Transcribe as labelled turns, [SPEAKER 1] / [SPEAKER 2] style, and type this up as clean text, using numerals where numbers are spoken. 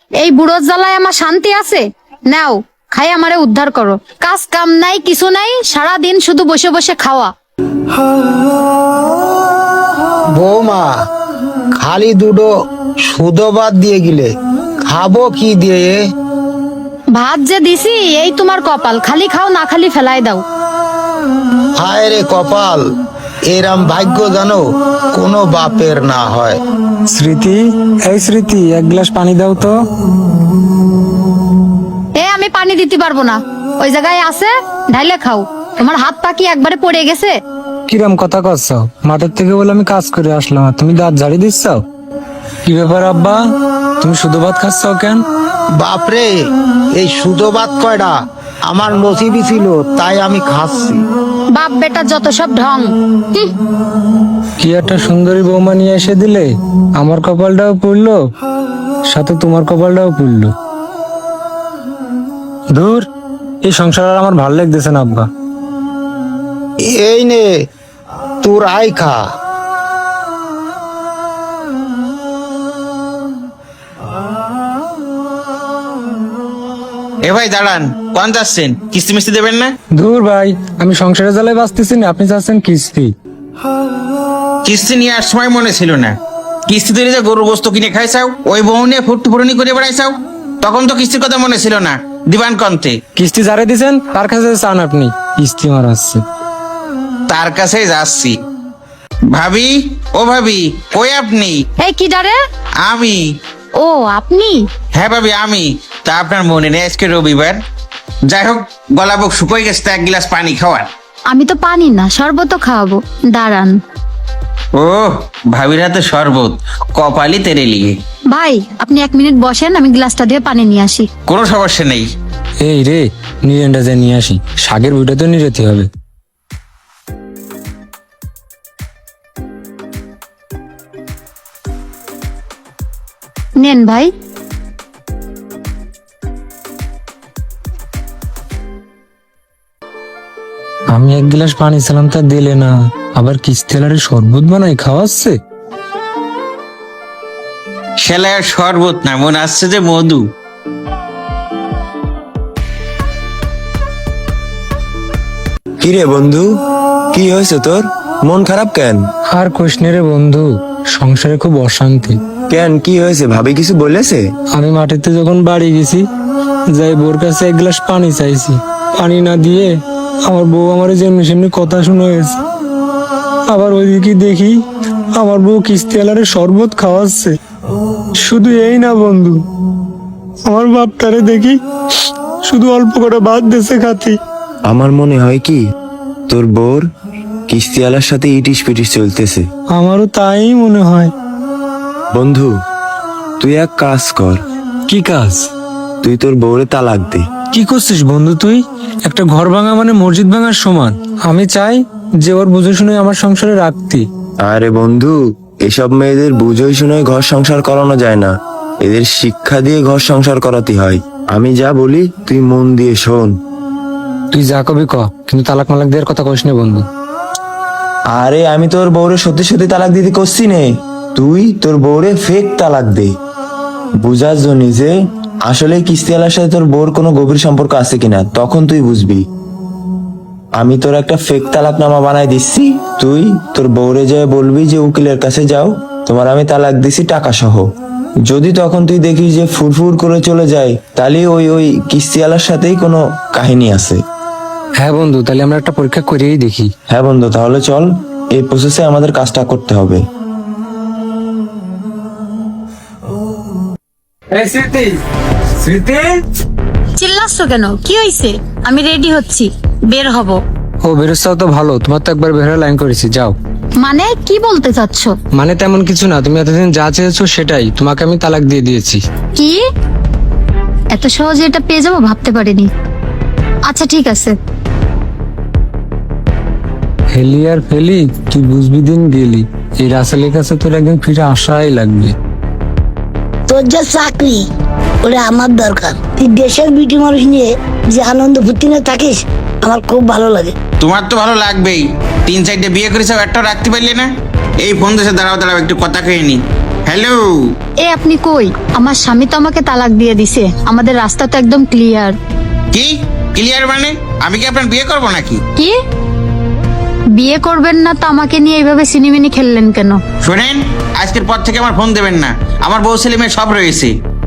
[SPEAKER 1] এই বুড়োর জ্বালায় আমার শান্তি আছে? নাও খাই আমারে উদ্ধার করো। কাজ কাম নাই, কিছু নাই, সারা দিন শুধু বসে বসে খাওয়া।
[SPEAKER 2] বৌমা, খালি দুটো সুদো ভাত দিয়ে গেলে খাবো কি দিয়ে?
[SPEAKER 1] ভাত যে দিছি এই তোমার কপাল, খালি খাও না খালি ফেলাই দাও।
[SPEAKER 2] হায় রে কপাল, এরম ভাগ্য জানো কোনো বাপের না হয়।
[SPEAKER 3] স্মৃতি, এই স্মৃতি, এক গ্লাস পানি দাও তো।
[SPEAKER 1] আমি পানি দিতে পারবো না, ওই জায়গায় আছে ঢাইলে খাও। তোমার হাত পা কি একবারে পড়ে গেছে?
[SPEAKER 3] কিরম কথা কচ্ছ? মাঠের থেকে বলে আমি কাজ করে আসলাম আর তুমি দাঁত ঝাড়ি দিচ্ছ? কি ব্যাপার আব্বা, তুমি শুধু ভাত খাচ্ছ কেন?
[SPEAKER 2] বাপরে, এই সুদো ভাত কয়টা আমার নসিবই ছিল, তাই আমি খাচ্ছি।
[SPEAKER 1] বাপ বেটার যত সব ঢং।
[SPEAKER 3] কি একটা সুন্দরী বৌমা নিয়ে এসে দিলে, আমার কপালটাও পুড়লো, সাথে তোমার কপালটাও পুড়লো। ধুর, এই সংসার আর আমার ভালো লাগতেছে না আব্বা।
[SPEAKER 2] এই নে তোর আই খা।
[SPEAKER 4] এ ভাই দাঁড়ান, কোন যাচ্ছেন? কিস্তি মিস্তি দেবেন না?
[SPEAKER 3] ধুর ভাই, আমি সংসারে জ্বালায় বাঁচতেছি না, আপনি চাচ্ছেন কিস্তি।
[SPEAKER 4] কিস্তি নিয়ে আর সময় মনে ছিল না। কিস্তি দিলে যে গরুর গোস্ত কিনে খাইছাও, ওই বউ নিয়ে ফুটফুটনি করে বেড়াইছাও, তখন তো কিস্তির কথা মনে ছিল না। দিবান কন্তে
[SPEAKER 3] কিস্তি যারে দিছেন তার কাছে চান আপনি কিস্তি মারাচ্ছে।
[SPEAKER 4] তার কাছেই যাচ্ছি। ভাবি, ও ভাবি, কই আপনি?
[SPEAKER 1] এই কি ডারে?
[SPEAKER 4] আমি।
[SPEAKER 1] ও আপনি?
[SPEAKER 4] হ্যাঁ ভাবি আমি। তা আপনার মনে নেই আজকে রবিবার? যাই হোক, গলা বুক শুকোয় গেছে, তা এক গিলাস পানি খাওয়ার।
[SPEAKER 1] আমি তো পানি না, শরবত খাওয়াবো, দাঁড়ান।
[SPEAKER 4] ও ভাবির হাতে শরবত, কপালি তেরে লিগে।
[SPEAKER 1] ভাই আপনি 1 মিনিট বসেন, আমি গ্লাসটা দিয়ে পানি নিয়ে আসি।
[SPEAKER 4] কোনো সমস্যা নেই।
[SPEAKER 3] এই রে, নিরেনটা যে নিয়ে আসি, শাকের বইটা তো নিরেতে হবে।
[SPEAKER 1] নেন ভাই।
[SPEAKER 3] আমি এক গ্লাস পানি ছিলাম তা দিলে না, আবার কিস্তেলারে শরবত বানাই খাওয়াচ্ছে।
[SPEAKER 4] খেলার শরবত না, মনে আসছে যে মধু।
[SPEAKER 5] কিরে বন্ধু, কি হয়েছে তোর? মন খারাপ কেন?
[SPEAKER 3] আর কৃষ্ণে রে বন্ধু, সংসারে খুব অশান্তি।
[SPEAKER 5] কেন, কি হয়েছে? ভাবি কিছু বলেছে?
[SPEAKER 3] আমি মাটিতে যখন বাড়ি গেছি, যাই বোর কাছে এক গ্লাস পানি চাইছি, পানি না দিয়ে আমার বউ আমার যেমনি সেমনি কথা শুনে হয়েছে। আবার ওইদিকে দেখি আমার বউ কিস্তিওয়ালারে শরবত খাওয়াচ্ছে। শুধু এই না বন্ধু, আমার বাপটারে দেখি শুধু অল্প করে ভাত দেশে খাতি।
[SPEAKER 5] আমার মনে হয় কি তোর বোর কিস্তিওয়ালার সাথে ইটিস পিটিস চলতেছে।
[SPEAKER 3] আমারও তাই মনে হয়।
[SPEAKER 5] বন্ধু, তুই এক কাজ কর।
[SPEAKER 3] কি কাজ?
[SPEAKER 5] তুই তোর বউরে তালাক দে।
[SPEAKER 3] কি করছিস বন্ধু তুই? একটা ঘর ভাঙা মানে মসজিদ ভাঙার সমান। আমি চাই যে ওর বুঝে শুনে আমার সংসারে রাখতি।
[SPEAKER 5] আরে বন্ধু, এসব মেয়েদের বুঝোই শুনে ঘর সংসার করানো যায় না, এদের শিক্ষা দিয়ে ঘর সংসার করাতে হয়। আমি যা বলি তুই মন দিয়ে শোন।
[SPEAKER 3] তুই যা কবি ক, কিন্তু তালাক মালাক দেওয়ার কথা কইস না বন্ধু।
[SPEAKER 5] আরে আমি তোর বউরে সত্যি সত্যি তালাক দিতে করছি নে, তুই তোর বউরে ফেক তালাক দে। বুঝার জন্য যে আসলে কিস্তিওয়ালার সাথে তোর বউর কোনো গভীর সম্পর্ক আছে কিনা, তখন তুই বুঝবি। আমি তোর একটা ফেক তালাকনামা বানাই দিচ্ছি, তুই তোর বউরে যেয়ে বলবি যে উকিলের কাছে যাও, তোমার আমি তালাক দিছি টাকা সহ। যদি তখন তুই দেখিস যে ফুরফুর করে চলে যায়, তাহলে ওই কিস্তিওয়ালার সাথেই কোনো কাহিনী আছে।
[SPEAKER 3] হ্যাঁ বন্ধু, তাহলে আমরা একটা পরীক্ষা করেই দেখি।
[SPEAKER 5] হ্যাঁ বন্ধু, তাহলে চল, এই প্রসেসে আমাদের কাজটা করতে হবে।
[SPEAKER 3] স্মৃতি, স্মৃতি,
[SPEAKER 1] চিল্লাচ্ছ কেন? কি হয়েছে? আমি রেডি হচ্ছি, বের হব।
[SPEAKER 3] ও বেরোচ্ছাও তো ভালো, তোমার তো একবার বের হয়ে লাইন করেছি, যাও।
[SPEAKER 1] মানে কি বলতে চাচ্ছ?
[SPEAKER 3] মানে তেমন কিছু না, তুমি এতদিন যা চেয়েছো সেটাই, তোমাকে আমি তালাক দিয়ে দিয়েছি।
[SPEAKER 1] কি? এত সহজে এটা পেয়ে যাবো ভাবতে পারিনি। আচ্ছা ঠিক আছে।
[SPEAKER 3] হেলি আর ফেলি, তুই বুঝবি দিন গেলি। এই রাসেলের কাছে তোর একদিন ফিরে আসাই লাগবে।
[SPEAKER 6] তোর যা চাকরি, ওটা আমার দরকার। তুই দেশের বিটি মানুষ নিয়ে যে আনন্দ ফুর্তি নিয়ে থাকিস, আমার খুব ভালো লাগে।
[SPEAKER 4] তোমার তো ভালো লাগবেই, 3-4টে বিয়ে করেছ, একটাও রাখতে পারলে না। এই ফোন দেশে দাঁড়াও দাঁড়াও, একটু কথা খেয়ে নি। হ্যালো।
[SPEAKER 1] এ আপনি কই? আমার স্বামী তো আমাকে তালাক দিয়ে দিছে, আমাদের রাস্তা তো একদম ক্লিয়ার।
[SPEAKER 4] কি ক্লিয়ার মানে? আমি কি আপনার বিয়ে করব নাকি?
[SPEAKER 1] কি বিয়ে করবেন না তো আমাকে নিয়ে এইভাবে সিনেমিনি খেললেন কেন?
[SPEAKER 4] শোনেন, আজকের পর থেকে আমার ফোন দেবেন না। আমার বউ ছেলে মেয়ে সব রয়েছে।